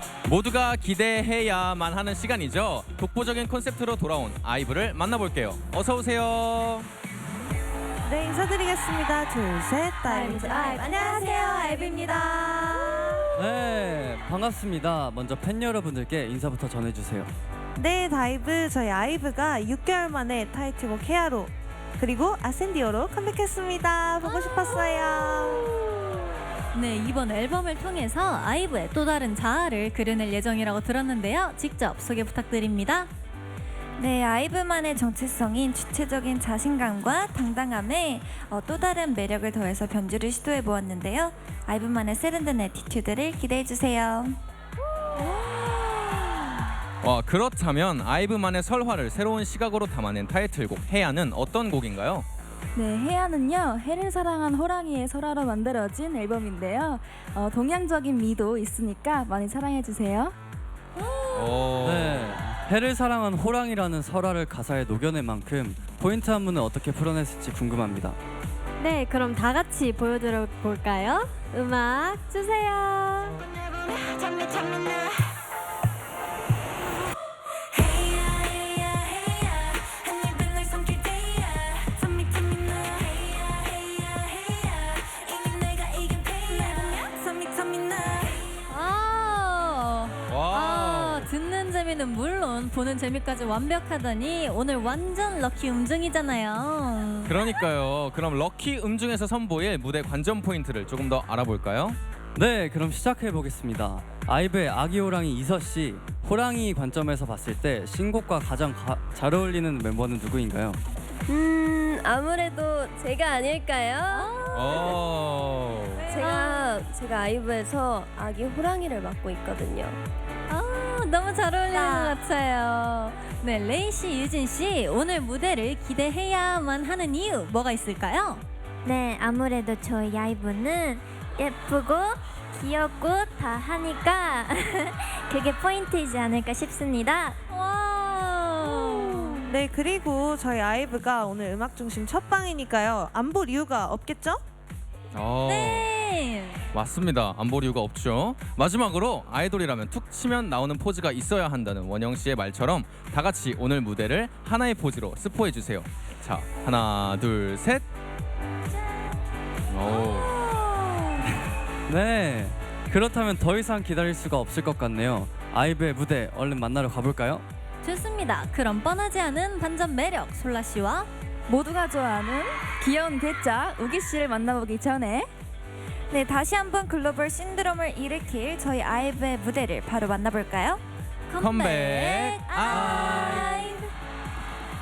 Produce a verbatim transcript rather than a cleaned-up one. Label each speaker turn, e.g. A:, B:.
A: 모두가 기대해야만 하는 시간이죠. 독보적인 콘셉트로 돌아온 아이브를 만나볼게요. 어서 오세요.
B: 네, 인사드리겠습니다. 둘, 셋, 다이브
C: 아이브. 안녕하세요, 아이브입니다.
D: 네, 반갑습니다. 먼저 팬 여러분들께 인사부터 전해주세요.
B: 네, 다이브. 저희 아이브가 육 개월 만에 타이틀곡 헤아로 그리고 아센디오로 컴백했습니다. 보고 싶었어요.
C: 네, 이번 앨범을 통해서 아이브의 또 다른 자아를 그려낼 예정이라고 들었는데요. 직접 소개 부탁드립니다.
E: 네, 아이브만의 정체성인 주체적인 자신감과 당당함에 어, 또 다른 매력을 더해서 변주를 시도해 보았는데요. 아이브만의 세련된 애티튜드를 기대해 주세요.
A: 와, 그렇다면 아이브만의 설화를 새로운 시각으로 담아낸 타이틀곡 해야는 어떤 곡인가요?
F: 네, 해야는요, 해를 사랑한 호랑이의 설화로 만들어진 앨범인데요. 어, 동양적인 미도 있으니까 많이 사랑해주세요.
A: 오.
D: 네, 해를 사랑한 호랑이라는 설화를 가사에 녹여낸 만큼 포인트 안무는 어떻게 풀어냈을지 궁금합니다.
C: 네, 그럼 다 같이 보여드려 볼까요? 음악 주세요. 아, 아, 듣는 재미는 물론 보는 재미까지 완벽하다니 오늘 완전 럭키 음중이잖아요.
A: 그러니까요. 그럼 럭키 음중에서 선보일 무대 관전 포인트를 조금 더 알아볼까요?
D: 네, 그럼 시작해 보겠습니다. 아이브의 아기 호랑이 이서 씨, 호랑이 관점에서 봤을 때 신곡과 가장 가, 잘 어울리는 멤버는 누구인가요?
G: 음 아무래도 제가 아닐까요?
A: 오.
G: 제가 제가 아이브에서 아기 호랑이를 맡고 있거든요.
C: 아, 너무 잘 어울리는 것 같아요. 네, 레이 씨, 유진 씨, 오늘 무대를 기대해야만 하는 이유 뭐가 있을까요?
E: 네, 아무래도 저희 아이브는 예쁘고 귀엽고 다 하니까 그게 포인트이지 않을까 싶습니다.
C: 와.
B: 네, 그리고 저희 아이브가 오늘 음악 중심 첫 방이니까요. 안 볼 이유가 없겠죠?
A: 어.
C: 네.
A: 맞습니다. 안 볼 이유가 없죠. 마지막으로 아이돌이라면 툭 치면 나오는 포즈가 있어야 한다는 원영 씨의 말처럼 다 같이 오늘 무대를 하나의 포즈로 스포해 주세요. 자, 하나, 둘, 셋. 오.
D: 네, 그렇다면 더 이상 기다릴 수가 없을 것 같네요. 아이브의 무대 얼른 만나러 가볼까요?
C: 좋습니다. 그럼 뻔하지 않은 반전 매력 솔라 씨와
F: 모두가 좋아하는 귀여운 괴짜 우기 씨를 만나보기 전에
E: 네, 다시 한번 글로벌 신드롬을 일으킬 저희 아이브의 무대를 바로 만나볼까요?
A: 컴백. 아.